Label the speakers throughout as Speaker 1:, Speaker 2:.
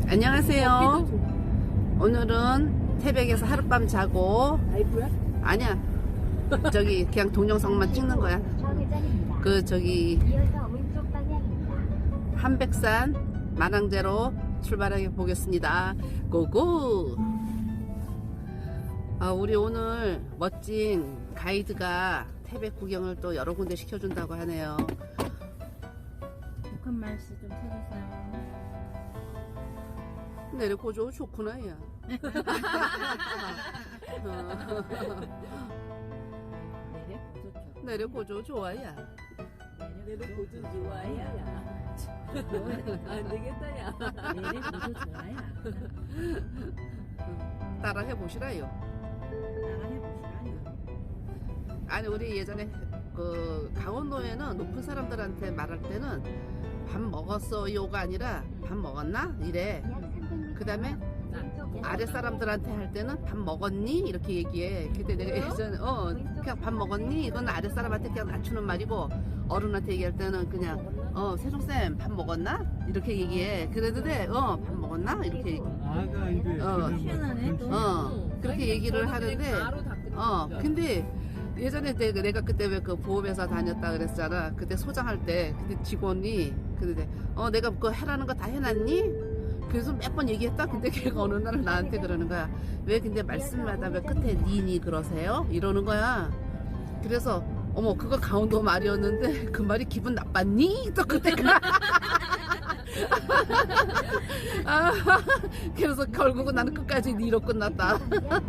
Speaker 1: 안녕하세요. 오늘은 태백에서 하룻밤 자고.
Speaker 2: 라이브야?
Speaker 1: 아니야, 저기 그냥 동영상만 찍는 거야. 그 저기 한백산 만항제로 출발해 보겠습니다. 고고. 우리 오늘 멋진 가이드가 태백 구경을 또 여러 군데 시켜준다고 하네요.
Speaker 2: 북한 말씨 좀 찾으세요.
Speaker 1: 내려고조 좋구나, 야. 내려고조 좋아야.
Speaker 2: 내려보조 좋아야. 안 되겠다, 야. 내려보조 좋아야.
Speaker 1: 따라 해보시라요.
Speaker 2: 따라해보시라요.
Speaker 1: 아니, 우리 예전에 그 강원도에는 높은 사람들한테 말할 때는 밥 먹었어요가 아니라 밥 먹었나? 이래. 그 다음에 아래 사람들한테 할 때는 밥 먹었니? 이렇게 얘기해. 그때 내가 예전에 그냥 밥 먹었니? 이건 아래 사람한테 그냥 낮추는 말이고, 어른한테 얘기할 때는 그냥 세종쌤 밥 먹었나? 이렇게 얘기해. 그래도 돼. 밥 먹었나? 이렇게 얘기.
Speaker 3: 아가 이제
Speaker 2: 희한하네.
Speaker 1: 그렇게 얘기를 하는데, 근데 예전에 내가 그때 왜 그 보험회사 다녔다 그랬잖아. 그때 소장할 때, 그때 직원이, 근데 내가 그거 해라는 거 다 해놨니? 그래서 몇 번 얘기했다. 근데 걔가 어느 날 나한테 그러는 거야. 왜 근데 말씀마다 왜 끝에 니니 그러세요? 이러는 거야. 그래서 그거 강원도 말이었는데 그 말이 기분 나빴니? 또 그때 그래서 결국은 나는 끝까지 니로 끝났다.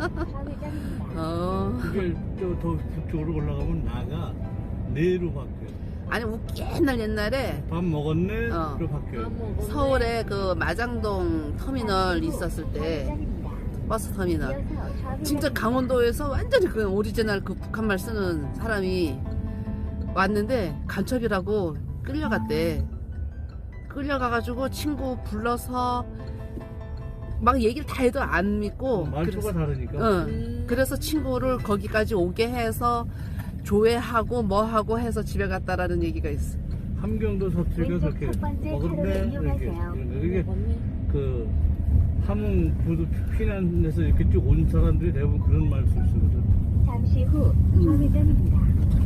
Speaker 3: 그게 더 북쪽으로 올라가면 나가 내로 바뀌어.
Speaker 1: 아니, 옛날에
Speaker 3: 밥 먹었네?로 바뀌어.
Speaker 1: 서울에 그 마장동 터미널 있었을 때, 버스 터미널, 진짜 강원도에서 완전히 그 오리지널 그 북한말 쓰는 사람이 왔는데 간첩이라고 끌려갔대. 끌려가가지고 친구 불러서 막 얘기를 다 해도 안 믿고,
Speaker 3: 말투가 다르니까.
Speaker 1: 그래서 친구를 거기까지 오게 해서 조회하고 뭐하고 해서 집에 갔다라는 얘기가 있어.
Speaker 3: 함경도 서쪽에 그렇게 먹었네 이게 그 함흥 부두 피난해서 이렇게 쭉 온 사람들이 대부분 그런 말 쓰거든.
Speaker 4: 잠시 후 좌회전입니다.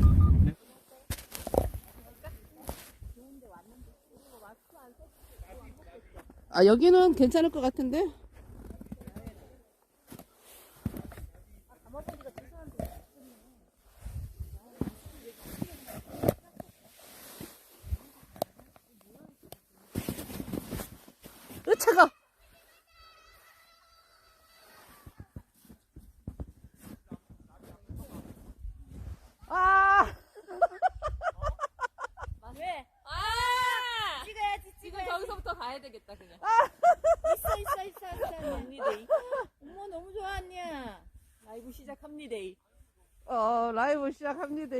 Speaker 1: 여기는 괜찮을 것 같은데? 차가.
Speaker 2: 왜? 찍어야지. 지금 저기서부터 가야 되겠다, 그냥. 있어. 언니데이. 어머, 너무 좋아, 언니야. 라이브 시작합니다.
Speaker 1: 라이브 시작합니다.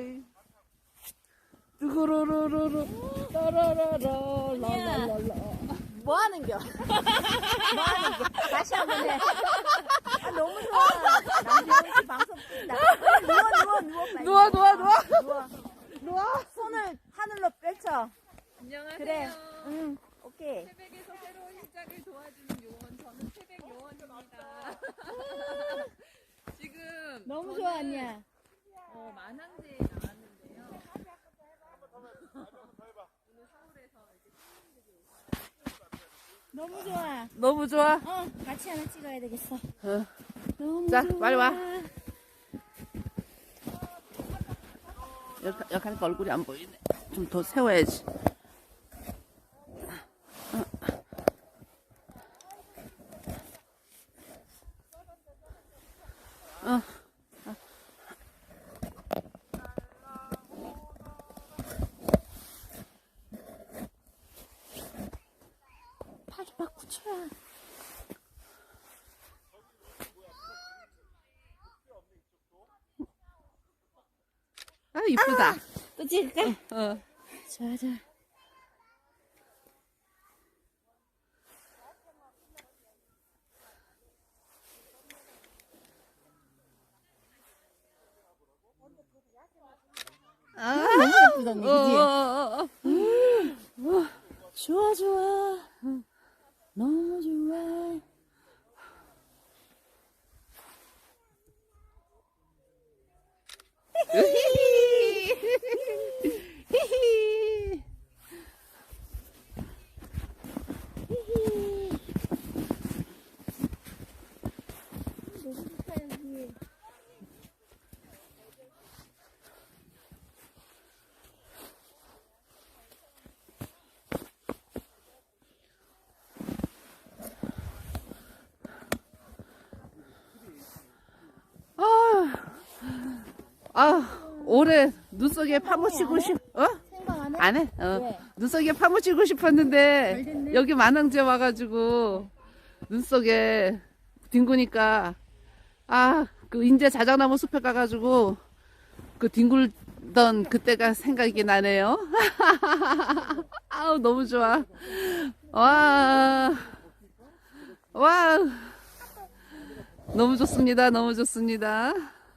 Speaker 1: 뜨거로로로로 따라라라 라라라라.
Speaker 2: 뭐 하는겨? 다시 한 번 해. 너무 좋아. 남편이 방송 뜬다. 누워. 손을 하늘로 펼쳐.
Speaker 5: 안녕하세요.
Speaker 2: 그래. 오케이.
Speaker 5: 태백에서 새로운 시작을 도와주는 요원, 저는 태백 요원입니다. 지금
Speaker 2: 너무
Speaker 5: 저는,
Speaker 2: 좋아, 언니야.
Speaker 5: 만항제에 나왔는데요. 오늘 서울에서 이제 시민들이
Speaker 2: 너무 좋아.
Speaker 1: 너무 좋아.
Speaker 2: 같이 하나 찍어야 되겠어.
Speaker 1: 너무 자, 좋아. 빨리 와. 이렇게 하니까 얼굴이 안 보이네. 좀 더 세워야지.
Speaker 2: 팔이 막 굳혀야.
Speaker 1: 이쁘다.
Speaker 2: 또 찍을까? 좋아. 너무 예쁘다, 언니, 그지? 좋아. 너무 좋아.
Speaker 1: 히히. 올해 눈 속에 파묻히고
Speaker 2: 생각 안 해?
Speaker 1: 안 해?
Speaker 2: 왜?
Speaker 1: 눈 속에 파묻히고 싶었는데 여기 만흥제 와가지고 눈 속에 뒹구니까 그 인제 자작나무 숲에 가가지고 그 뒹굴던 그때가 생각이 나네요. 아우 너무 좋아. 와 너무 좋습니다. 너무 좋습니다.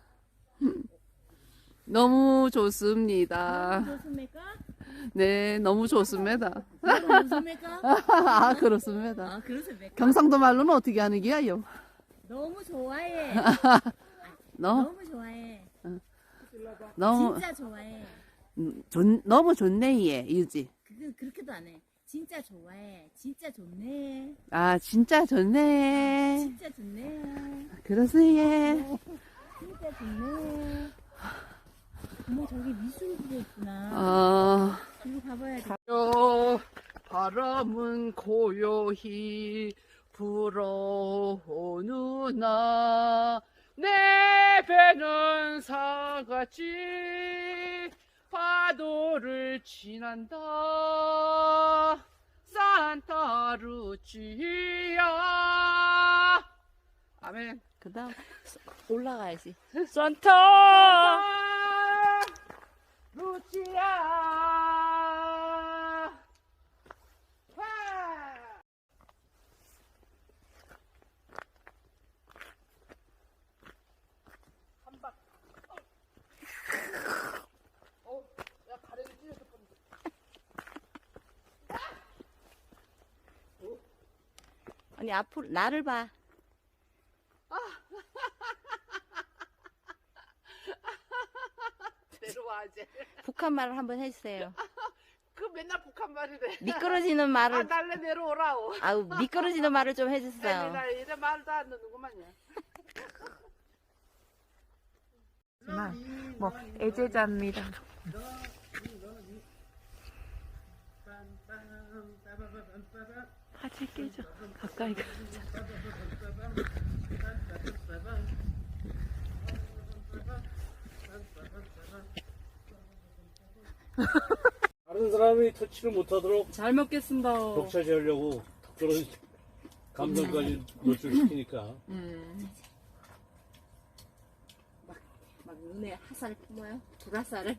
Speaker 1: 너무 좋습니다.
Speaker 2: 좋습니까?
Speaker 1: 네, 너무 좋습니다.
Speaker 2: 좋습니까?
Speaker 1: 그렇습니다.
Speaker 2: 그렇습니까?
Speaker 1: 경상도 말로는 어떻게 하는 기야요?
Speaker 2: 너무 좋아해.
Speaker 1: 너무
Speaker 2: 좋아해.
Speaker 1: 너무
Speaker 2: 좋아해.
Speaker 1: 너무 좋네 얘 유지.
Speaker 2: 그렇게도 안 해. 진짜 좋아해. 진짜 좋네.
Speaker 1: 진짜 좋네.
Speaker 2: 진짜 좋네.
Speaker 1: 그러세요.
Speaker 2: 진짜 좋네. 어머 저기 미술도 있구나. 저기 가봐야 돼.
Speaker 1: 바람은 고요히 불어오누나 내 배는 사같이 파도를 지난다 산타루치야. 아멘. 그 다음 올라가야지. 산타 루치야. 야 가래를 찢어서 뻔했어.
Speaker 2: 아니 앞으로 나를 봐.
Speaker 1: 내려와 이제.
Speaker 2: 북한 말을 한번 해주세요.
Speaker 1: 그 맨날 북한 말이래.
Speaker 2: 미끄러지는 말을
Speaker 1: 날래 내려오라고.
Speaker 2: 아우 미끄러지는 말을 좀 해주세요.
Speaker 1: 나 이래 말도 안 듣는구만요.
Speaker 5: 뭐 애제자입니다. 같이 끼죠. 가까이 가.
Speaker 3: 다른 사람이 터치를 못하도록
Speaker 5: 잘 먹겠습니다.
Speaker 3: 독차지하려고 그런 감정까지 노출시키니까.
Speaker 2: 막 눈에 화살을 품어요. 불화살을.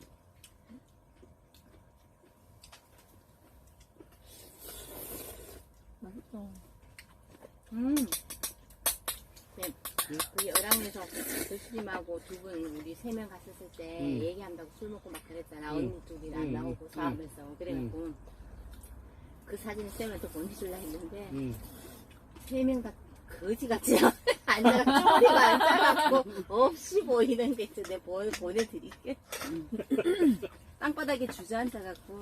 Speaker 2: 맛있어. 네, 그 어랑에서 교수님하고 두 분 우리 3명 갔었을 때 얘기한다고 술 먹고 막 그랬잖아. 언니 둘이 안 나오고 싸우면서 그래갖고 그 사진을 쌤한테 보내주려 했는데 3명 다 거지같이 앉아가 쪼리가 앉아갖고 없이 보이는 게 있어. 내가 보내드릴게. 땅바닥에 주저앉아갖고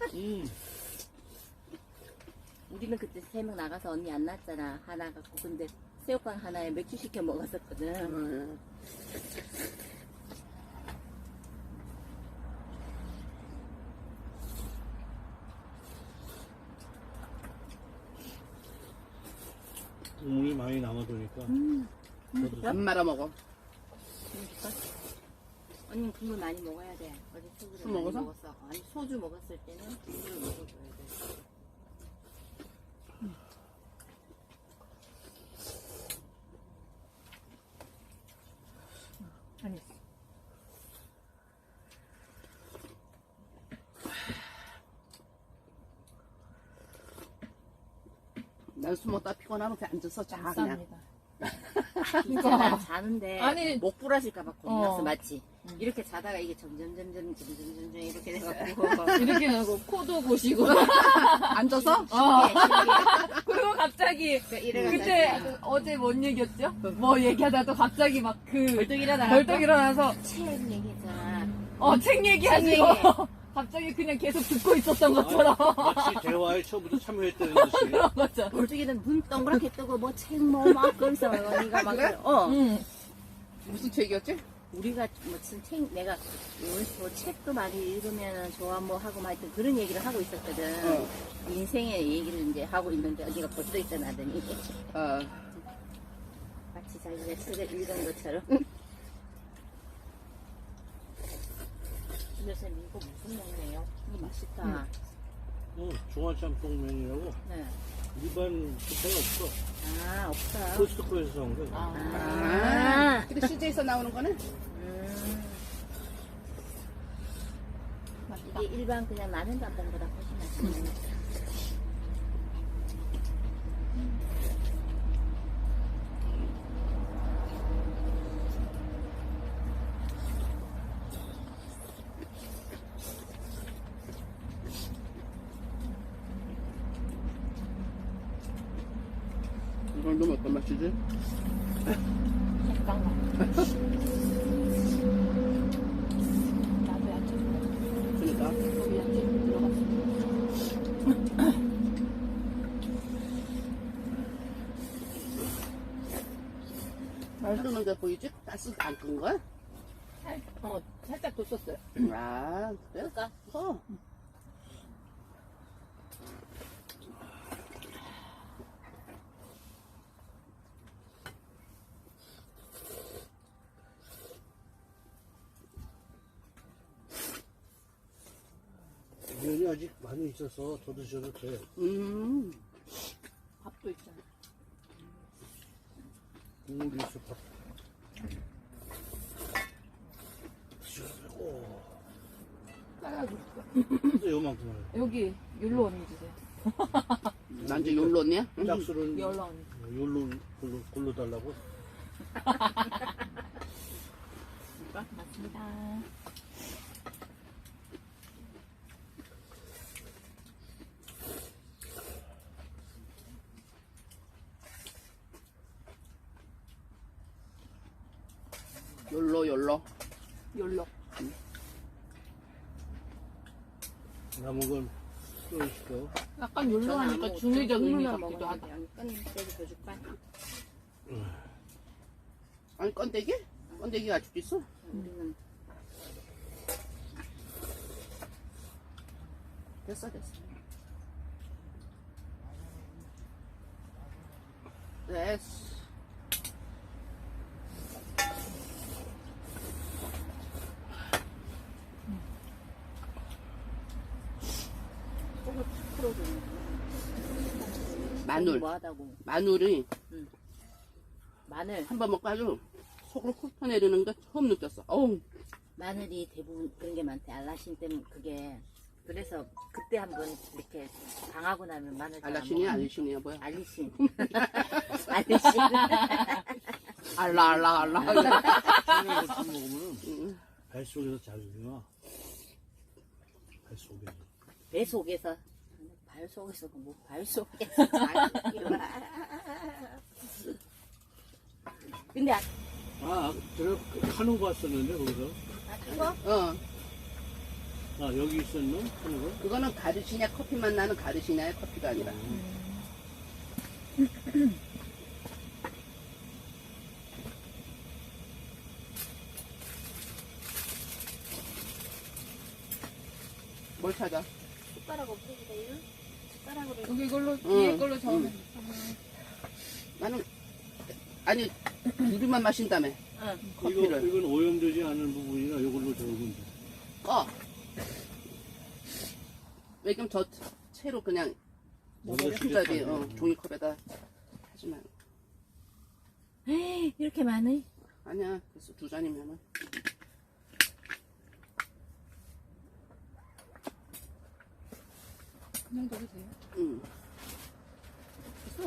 Speaker 2: 우리는 그때 3명 나가서 언니 안 났잖아. 하나 갖고. 근데 새우깡 하나에 맥주 시켜 먹었었거든.
Speaker 3: 국물이 많이 남아도니까.
Speaker 1: 안 말아 먹어.
Speaker 2: 언니 국물 많이 먹어야 돼. 어제 소주를
Speaker 1: 술
Speaker 2: 많이
Speaker 1: 먹어서?
Speaker 2: 먹었어. 아니 소주 먹었을 때는 국물을 먹어줘야 돼.
Speaker 5: 아니.
Speaker 1: 난 술 먹다 피곤하면 그냥 앉아서 자 그냥.
Speaker 2: 진짜 난 자는데
Speaker 5: 아니.
Speaker 2: 목 부러질까봐 겁났어. 맞지? 이렇게 자다가 이게 점점 이렇게 돼가지고
Speaker 5: 이렇게 하고 코도 보시고
Speaker 1: 앉아서?
Speaker 2: 신기해.
Speaker 5: 그리고 갑자기
Speaker 2: 이래가지고
Speaker 5: 그때 어제 뭔 얘기였죠? 뭐 얘기하다 또 갑자기 막 그
Speaker 2: 벌떡 일어나
Speaker 5: 벌떡 일어나서
Speaker 2: 책 얘기했잖아.
Speaker 5: 책 얘기하시고
Speaker 2: 책 얘기.
Speaker 5: 갑자기 그냥 계속 듣고 있었던 것처럼
Speaker 3: 마치 대화에 처음부터 참여했다는 듯이.
Speaker 5: 맞아.
Speaker 2: 벌떡 일어나 눈 동그랗게 뜨고 뭐 책 뭐 막 그러면서 언니가 막
Speaker 1: 그래?
Speaker 5: 응.
Speaker 1: 무슨 책이었지?
Speaker 2: 우리가 무슨 책 내가 뭐 책도 많이 읽으면 좋아 뭐 하고 막 하여튼 그런 얘기를 하고 있었거든. 인생의 얘기를 이제 하고 있는데 언니가 벌떡 일어나더니 마치 자기가 책을 읽은 것처럼. 선생님 이거 무슨 먹네요? 이거 맛있다.
Speaker 3: 중화짬뽕면이라고
Speaker 2: 네.
Speaker 3: 일반 식당에 없어.
Speaker 2: 아 없다.
Speaker 3: 코스트코에서 사온 거야.
Speaker 2: 아.
Speaker 1: 근데 CJ에서 나오는 거네?
Speaker 2: 이게 일반 그냥 마늘 짬뽕보다 훨씬 맛있네.
Speaker 1: 이걸 넣으면 어떤 맛이지?
Speaker 5: 잠깐만. 나도 야채 좀
Speaker 1: 그러니까.
Speaker 5: 거기 야채 좀 들어갔어.
Speaker 1: 말 끄는 게 보이지? 가스 안 끈 거야?
Speaker 5: 살짝 뒀었어요.
Speaker 1: 아, 그래?
Speaker 2: 그러니까
Speaker 3: 면이 아직 많이 있어서 더 드셔도 돼.
Speaker 5: 밥도 있잖아.
Speaker 3: 국물이 있어, 밥. 드셔도 되고. 근데 요만큼 하네.
Speaker 5: 여기 율로 언니 주세요.
Speaker 1: 난 이제 욜로 언니야?
Speaker 3: 짝수는
Speaker 5: 율로 언니.
Speaker 3: 욜로 골로 달라고?
Speaker 5: 맞습니다.
Speaker 1: 욜로.
Speaker 5: 율로.
Speaker 3: 남은 건 또 있어.
Speaker 5: 약간 율로 하니까 중의적 의미 같기도 하다.
Speaker 2: 끈대기 더 줄까?
Speaker 1: 아니, 건데기? 건데기가 아직도 있어?
Speaker 2: 우리는
Speaker 1: 됐어. 됐어.
Speaker 2: 속을 탁 풀어주는
Speaker 1: 마늘.
Speaker 2: 뭐하다고
Speaker 1: 마늘이
Speaker 2: 마늘
Speaker 1: 한 번 먹고 아주 속으로 훅 퍼내리는 거 처음 느꼈어. 어우,
Speaker 2: 마늘이 대부분 그런 게 많대. 알라신 때문에 그게 그래서 그때 한번 이렇게 당하고 나면 마늘 잘 안
Speaker 1: 알라신이야,
Speaker 2: 먹어.
Speaker 1: 알리신이야, 뭐야?
Speaker 2: 알리신 알리신
Speaker 1: 알라.
Speaker 3: 청양고추 먹으면 뱃속에서 자극이 나. 뱃속에서.
Speaker 2: 배 속에서 발 속에서 뭐 발 속에서 자기가. 근데
Speaker 3: 제가 하는 거 왔었는데, 거기서.
Speaker 2: 그거
Speaker 3: 여기 있었나? 하는 거?
Speaker 1: 그거는 가르시냐, 커피만 나는 가르시냐의 커피가 아니라. 뭘 찾아?
Speaker 2: 숟가락 없으시대요? 숟가락으로
Speaker 5: 여기 이걸로 뒤에 걸로 저으면
Speaker 1: 나는, 아니, 우리만 마신다며. 커피를.
Speaker 3: 이건 오염되지 않은 부분이라 이걸로 적으면 돼.
Speaker 1: 꺼. 왜 그럼 저 채로 그냥 혼자지 종이컵에다 하지 말고.
Speaker 2: 에이, 이렇게 많이?
Speaker 1: 아니야, 그래서 2잔이면은.
Speaker 5: 그냥 둬도 돼요?
Speaker 1: 응. 됐어.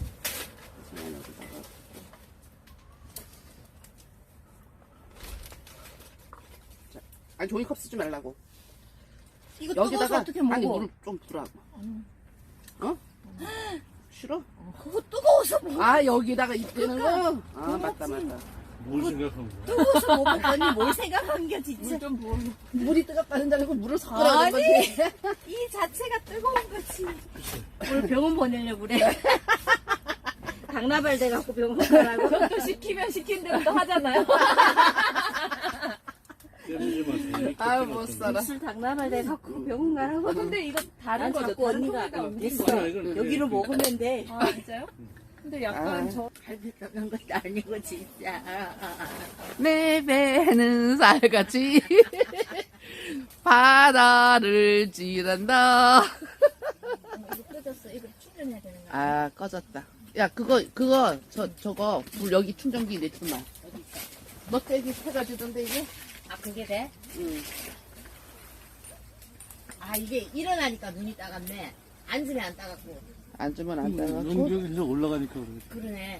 Speaker 1: 그냥 여기다가. 아니 종이컵 쓰지 말라고.
Speaker 2: 이거 뜨거워서
Speaker 1: 여기다가
Speaker 2: 어떻게 먹어?
Speaker 1: 아니 물을 좀 부라고. 어? 싫어?
Speaker 2: 그거 뜨거워서 먹어.
Speaker 1: 아 여기다가 입대는 거? 아 맞다 맞다.
Speaker 3: 뭘 생각한 거야?
Speaker 2: 뜨거워서 못 먹더니 뭘 생각한 게 진짜.
Speaker 1: 좀 부어. 물이 뜨겁다는 줄 알고 물을 섞으라는
Speaker 2: 아니.
Speaker 1: 거지.
Speaker 2: 이 자체가 뜨거운 거지. 오늘 병원 보내려고 그래. 당나발 돼갖고 병원 가라고.
Speaker 5: 그것도 시키면 시킨 대로 또 하잖아요.
Speaker 1: 아유 못 살아.
Speaker 2: 술 당나발 돼갖고 병원 가라고.
Speaker 5: 근데 이거 다른
Speaker 2: 난
Speaker 5: 거죠.
Speaker 2: 자꾸
Speaker 5: 다른
Speaker 2: 언니가
Speaker 5: 소리가 옮긴
Speaker 2: 됐어.
Speaker 5: 거예요.
Speaker 3: 이건
Speaker 2: 여기로 먹으면 돼.
Speaker 5: 아 진짜요? 근데 약간
Speaker 1: 아.
Speaker 5: 저
Speaker 2: 갈비 떠난 것도 아니고 진짜.
Speaker 1: 내 배는 살같이 바다를 지른다.
Speaker 2: 이거 꺼졌어. 이거 충전해야 되는 거야.
Speaker 1: 아 꺼졌다. 야 그거 저거 불 여기 충전기 내주마. 너 떼기 해가지던데 이게?
Speaker 2: 아 그게 돼?
Speaker 1: 응.
Speaker 2: 아 이게 일어나니까 눈이 따갑네. 앉으면 안 따갑고.
Speaker 1: 앉으면 안 따가고.
Speaker 3: 연결해서 올라가니까 그래.
Speaker 2: 그러네.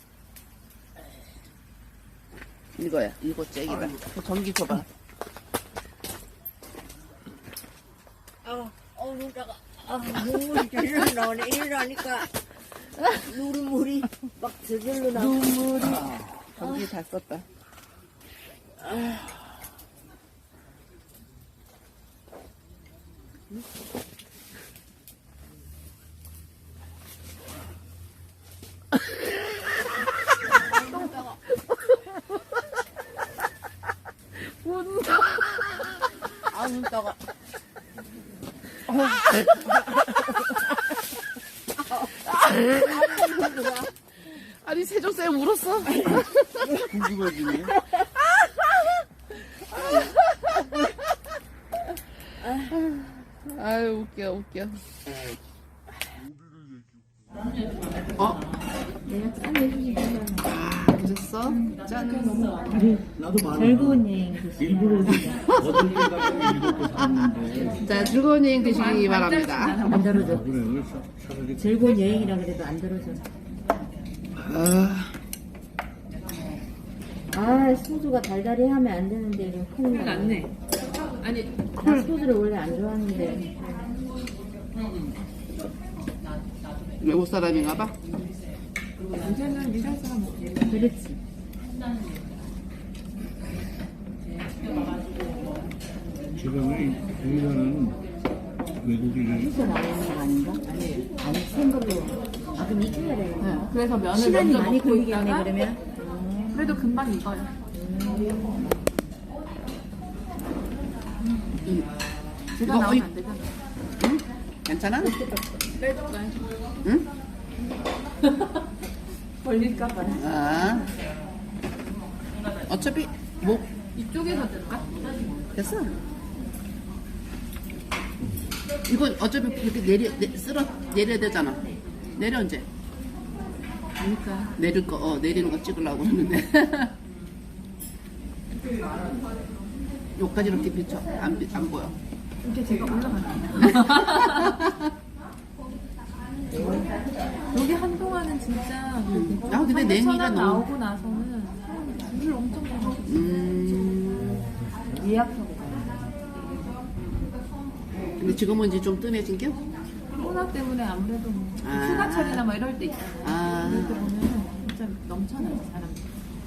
Speaker 1: 이거야. 이거 잭이다. 그 전기 줘봐.
Speaker 2: 눈 따가. 눈물이 절로 나오네. 일어나니까 눈물이 막 저절로 나오네.
Speaker 1: 눈물이. 전기 다 썼다.
Speaker 2: 눈 따가.
Speaker 1: 아니 세종쌤 울었어?
Speaker 3: 궁금해지네.
Speaker 1: 아유 웃겨. 어? 그랬어? 짠.
Speaker 3: 나도 많아.
Speaker 4: 즐거운 여행 되시길
Speaker 3: 일부러 어떤 데 가면 일부러 샀는데.
Speaker 1: 자 즐거운 여행 되시기 바랍니다.
Speaker 4: 안 들어줘.
Speaker 3: 그래, 오늘 차라리.
Speaker 4: 즐거운 여행이라 그래도 안 들어줘. 아 소주가 달달이 하면 안 되는데 이거 큰일 났네.
Speaker 5: 아니
Speaker 4: 나 소주를 원래 안 좋아하는데
Speaker 1: 외국 사람인가 봐.
Speaker 5: 요새는 일할 사람 없지.
Speaker 4: 그렇지.
Speaker 3: 지금은 우리나라는 외국인이
Speaker 4: 소주 나오는 거 아닌가? 아니 생각으로. 아 그럼 익혀야 되겠다.
Speaker 5: 그래서 면을
Speaker 4: 시간이
Speaker 5: 먼저
Speaker 4: 많이
Speaker 5: 먹고
Speaker 4: 걸리겠네
Speaker 5: 있다가
Speaker 4: 그러면.
Speaker 5: 그래도 금방 익어요. 제가
Speaker 1: 이거
Speaker 5: 나오면 안 되잖아.
Speaker 1: 응? 괜찮아?
Speaker 5: 빼줄까요?
Speaker 1: 응?
Speaker 5: 걸릴까봐.
Speaker 1: 아. 어차피 뭐
Speaker 5: 이쪽에서 들까?
Speaker 1: 됐어. 이건 어차피 이렇게 내려야 되잖아. 내려 이제.
Speaker 5: 그러니까.
Speaker 1: 내리는 거 찍으려고 했는데. 여기까지 이렇게 비춰. 안 보여.
Speaker 5: 이렇게 제가 올라갈게요. 여기 한동안은 진짜
Speaker 1: 아, 근데 냉이가
Speaker 5: 천안
Speaker 1: 너무.
Speaker 5: 나오고 나서는 물을 엄청 먹어.
Speaker 4: 예약하고.
Speaker 1: 근데 지금은 이제 좀 뜸해진 게?
Speaker 5: 코로나 때문에 아무래도 뭐
Speaker 1: 아.
Speaker 5: 휴가철이나 뭐 이럴 때 있잖아요.
Speaker 1: 아.
Speaker 5: 그럴 때 보면 진짜 넘쳐나요, 사람들.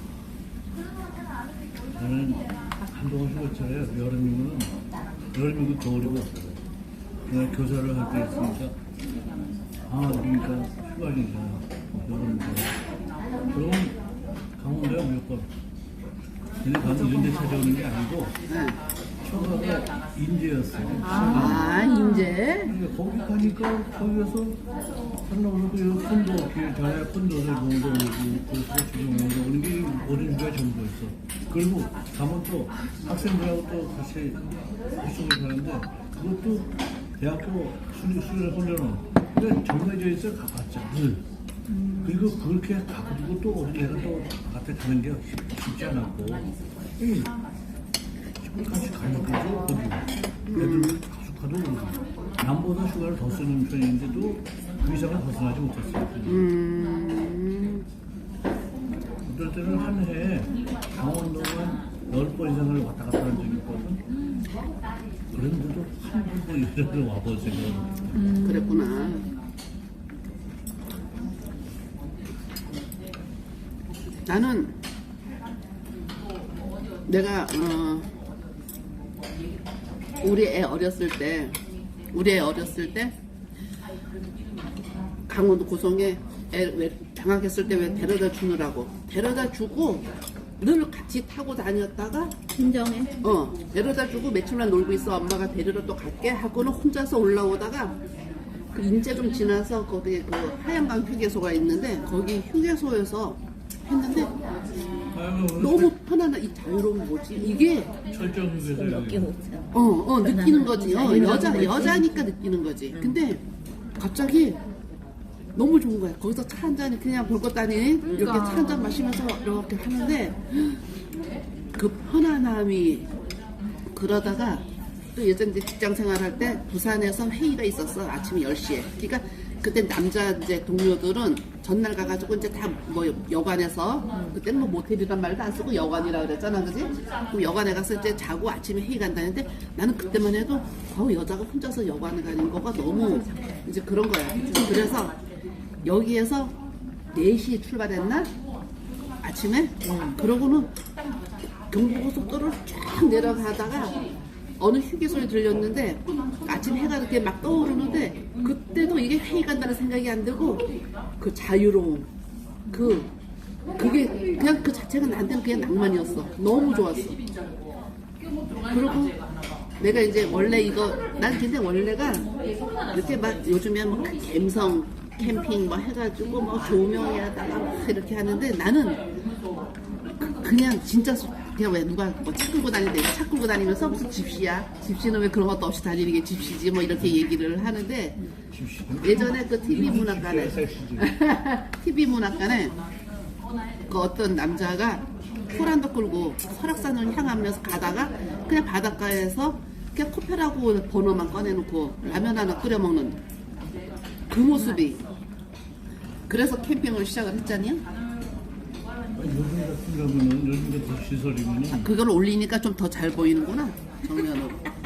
Speaker 3: 나는 한동안 휴가철에 여름이고 겨울이고 그냥 교사를 할 때 있으니까 그러니까 휴가니까 여름이고 그럼 강원도에 무조건 근데 가면 이런 데 찾아오는 게 아니고 처음에 인제였어.
Speaker 1: 아, 인제?
Speaker 3: 그러니까 거기 가니까 거기에서 한나오고 콘도 전에 콘도를 정도 오고 그 소식이 오는 게 어린 게 전부 있어. 그리고 가면 또 학생들하고 또 같이 수업을 하는데 그것도 대학교 수련 훈련은 근데 정해져 있어 가봤자 늘. 그리고 그렇게 가가지고 또 내가 또 바깥에 가는 게 쉽지 않았고 같이 가는 거죠 거기 애들 가도 남보다 휴가를 더 쓰는 편인데도 그 이상을 벗어나지 못했어요. 어떨 때는 한 해에 강원도만 10번 이상을 왔다 갔다 한 적이 있거든. 그런 분도 한 번도 이런 와보세요.
Speaker 1: 그랬구나. 나는 내가 우리 애 어렸을 때 강원도 고성에 애 왜 방학했을 때 왜 데려다 주느라고 데려다 주고 늘 같이 타고 다녔다가
Speaker 4: 친정에
Speaker 1: 데려다 주고 며칠만 놀고 있어 엄마가 데리러 또 갈게 하고는 혼자서 올라오다가 그 이제 좀 지나서 거기 그 하얀강 휴게소가 있는데 거기 휴게소에서 했는데 너무 편안한 이 자유로운 뭐지 이게
Speaker 3: 철저하게
Speaker 4: 몇개 못해.
Speaker 1: 느끼는 거지. 여자니까 느끼는 거지. 근데 갑자기 너무 좋은 거야. 거기서 차 한 잔 그냥 볼 것도 아닌 이렇게 차 한 잔 마시면서 이렇게 하는데 그 편안함이 그러다가 또 예전 이제 직장 생활할 때 부산에서 회의가 있었어. 아침 10시에. 그러니까 그때 남자 이제 동료들은 전날 가가지고 이제 다 뭐 여관에서 그때는 뭐 모텔이란 말도 안 쓰고 여관이라 그랬잖아, 그지? 그럼 여관에 가서 이제 자고 아침에 회의 간다는데 나는 그때만 해도 여자가 혼자서 여관에 가는 거가 너무 이제 그런 거야. 그래서 여기에서 4시에 출발했나? 아침에? 그러고는 경부고속도로를 쫙 내려가다가 어느 휴게소에 들렸는데 아침 해가 이렇게 막 떠오르는데 그때도 이게 회의 간다는 생각이 안 들고 그 자유로움 그게 그냥 그 자체가 나한테는 그냥 낭만이었어. 너무 좋았어. 그리고 내가 이제 원래 난 근데 원래가 이렇게 막 요즘에 뭐 갬성 캠핑 뭐 해가지고 뭐 조명에다가 막 이렇게 하는데 나는 그냥 진짜 그냥 왜 누가 뭐 차 끌고 다니는데 차 끌고 다니면서 무슨 집시야? 집시는 왜 그런 것도 없이 다니는 게 집시지? 뭐 이렇게 얘기를 하는데 예전에 그 TV 문학관에 그 어떤 남자가 호란도 끌고 설악산을 향하면서 가다가 그냥 바닷가에서 그냥 코페라고 번호만 꺼내놓고 라면 하나 끓여 먹는 그 모습이 그래서 캠핑을 시작을 했잖아요.
Speaker 3: 요즘 같은 경우는 요즘 같은 시설이면은
Speaker 1: 그걸 올리니까 좀 더 잘 보이는구나 정면으로.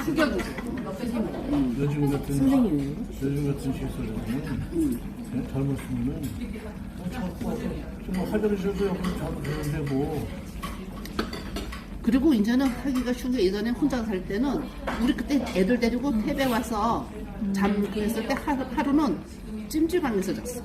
Speaker 3: 요즘 같은 시설이면은 그냥 젊었으면은 자꾸 좀 하더라도 옆으로 자도 되는데 뭐.
Speaker 1: 그리고 이제는 하기가 쉬운 게 예전에 혼자 살 때는 우리 그때 애들 데리고 태배 와서 잠그했을 때 하루는 찜질방에서 잤어.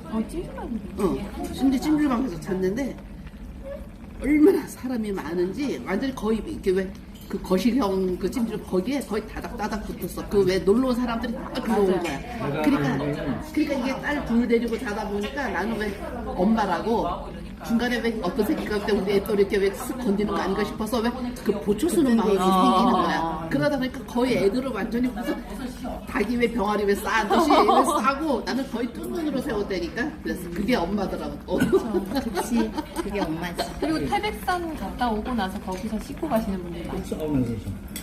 Speaker 1: 찜질방에서 잤는데 얼마나 사람이 많은지 완전히 거의 이렇게 왜 그 거실형 그 찜질 거기에 거의 다닥다닥 붙었어. 그 왜 놀러 온 사람들이 다 들어온 거야. 그러니까 이게 딸 둘 데리고 자다 보니까 나는 왜 엄마라고 중간에 왜 어떤 새끼가 그때 우리 애 또 이렇게 왜 쓱 건드는 거 아닌가 싶어서 왜 그 보초 쓰는 마음이 생기는 거야. 그러다 보니까 거의 애들을 완전히 무슨 닭이 왜 병아리 왜 싸듯이 싸고 나는 거의 두 눈으로 세웠다니까. 그래서 그게 엄마더라고.
Speaker 4: 그치. 그게 엄마지.
Speaker 5: 그리고 태백산 갔다 오고 나서 거기서 씻고 가시는 분들이 많죠.
Speaker 3: 싸우면서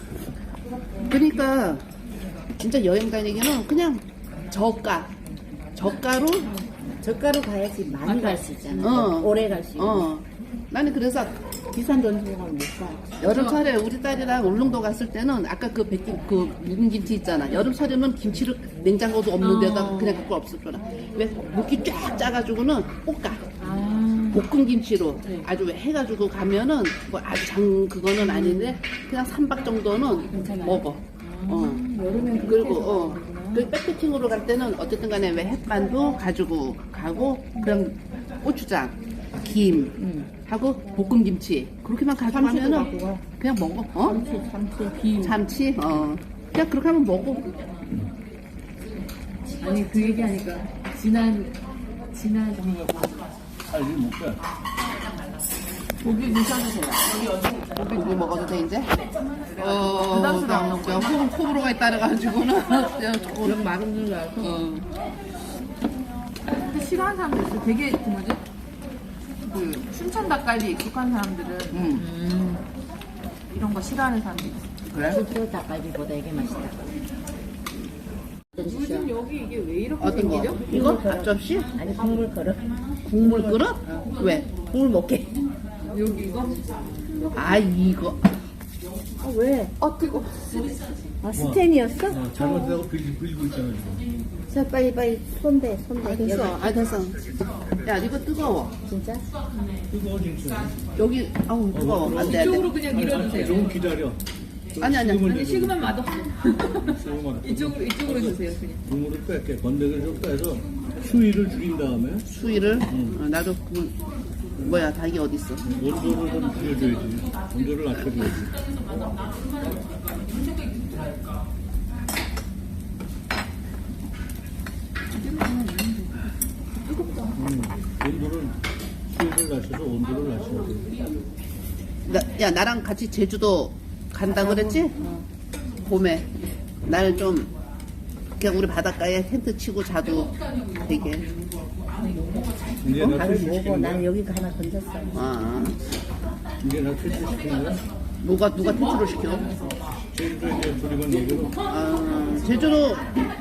Speaker 1: 그러니까 진짜 여행 다니기는 그냥 저가로
Speaker 4: 저가로 가야지 많이 갈 수 있잖아. 오래 갈 수 있고.
Speaker 1: 나는 그래서
Speaker 4: 비싼 돈 주고 가면 못 가.
Speaker 1: 여름철에 우리 딸이랑 울릉도 갔을 때는 아까 그 묵은 김치 있잖아. 여름철에는 김치를 냉장고도 없는 데다 그냥 갖고 없었잖아. 왜 묵기 쫙 짜가지고는 볶아. 볶은 김치로 아주 왜 해가지고 가면은 뭐 아주 그거는 아닌데 그냥 3박 정도는 먹어.
Speaker 4: 여름엔
Speaker 1: 그리고 그 백패킹으로 갈 때는 어쨌든 간에 왜 햇반도 가지고 가고 그럼 고추장, 김 하고 볶은 김치 그렇게만 가져가면은 그냥 먹어. 참치 그냥 그렇게 하면 먹어.
Speaker 5: 아니 그 얘기하니까 지난
Speaker 3: 살이 못 가.
Speaker 5: 고기 드셔주세요.
Speaker 1: 고기 먹어도 돼 이제? 호불호가 따라가지고는 그냥 마른 줄 알고.
Speaker 5: 근데 싫어하는 사람들 있어. 되게 그 뭐지? 그 춘천 닭갈비 익숙한 사람들은 이런 거 싫어하는 사람들이 있어.
Speaker 1: 그래?
Speaker 4: 실제로 닭갈비보다 이게 맛있다.
Speaker 5: 요즘 여기 이게 왜 이렇게
Speaker 1: 어떤 거?
Speaker 5: 생기죠?
Speaker 1: 이거 앞접시?
Speaker 4: 아니 국물 그릇.
Speaker 1: 국물 끓여? 왜?
Speaker 4: 국물 먹게.
Speaker 5: 여기 이거?
Speaker 1: 아 이거
Speaker 4: 아, 왜?
Speaker 5: 뜨거.
Speaker 4: 아, 스탠이었어?
Speaker 3: 잘못하고 빌고 있잖아 지금.
Speaker 4: 자, 빨리 손대.
Speaker 1: 됐어. 됐어. 야, 이거 뜨거워.
Speaker 4: 진짜?
Speaker 3: 뜨거워 진짜.
Speaker 1: 여기, 아우, 뜨거워. 안 돼, 안
Speaker 5: 이쪽으로
Speaker 1: 돼.
Speaker 5: 그냥 밀어주세요.
Speaker 3: 좀 기다려.
Speaker 1: 아니.
Speaker 5: 아니, 식으면 맛없어.
Speaker 3: 식으면
Speaker 5: 이쪽으로 주세요, 그냥.
Speaker 3: 국물을 뺄게. 건더기를 좀 빼서 수위를 줄인 다음에
Speaker 1: 수위를? 나도 닭이 어딨어.
Speaker 3: 온도를 좀 줄여줘야지. 온도를 낮춰줘야지. 온도를 수위를 낮춰서 온도를 낮춰야 돼.
Speaker 1: 야, 나랑 같이 제주도 간다 그랬지? 봄에. 날 좀, 그냥 우리 바닷가에 텐트 치고 자도 되게.
Speaker 3: 이제 나
Speaker 4: 밥을
Speaker 3: 퇴출
Speaker 4: 먹어.
Speaker 3: 시키는
Speaker 4: 난
Speaker 3: 거야?
Speaker 4: 여기 하나 건졌어.
Speaker 3: 이제 나 퇴출 시키는 거야?
Speaker 1: 누가 퇴출을 시켜?
Speaker 3: 제주도 이제 조리만 내기로.
Speaker 1: 제주도,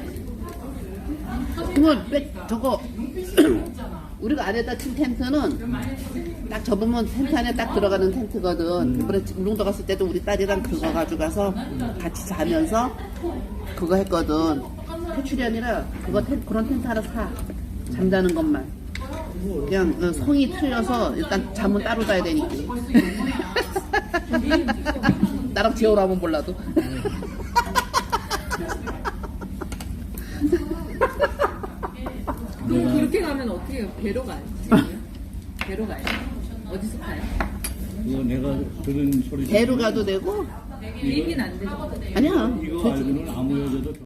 Speaker 1: 저거, 우리가 안에다 친 텐트는 딱 접으면 텐트 안에 딱 들어가는 텐트거든. 이번에 울릉도 갔을 때도 우리 딸이랑 그거 가져가서 같이 자면서 그거 했거든. 퇴출이 아니라 그런 텐트 하나 사. 잠자는 것만. 그냥 성이 틀려서 일단 잠은 따로 자야 되니까. 나랑 재우라면 몰라도.
Speaker 5: 그럼 그렇게 가면 어떻게 해요? 배로 가요? 지금요? 배로 가요? 어디서 가요?
Speaker 3: 이거 내가 들은 소리.
Speaker 1: 배로 가도 되고
Speaker 5: 비행기는 안 되죠?
Speaker 1: 아니야.
Speaker 3: 이거 알고는 아무 여자도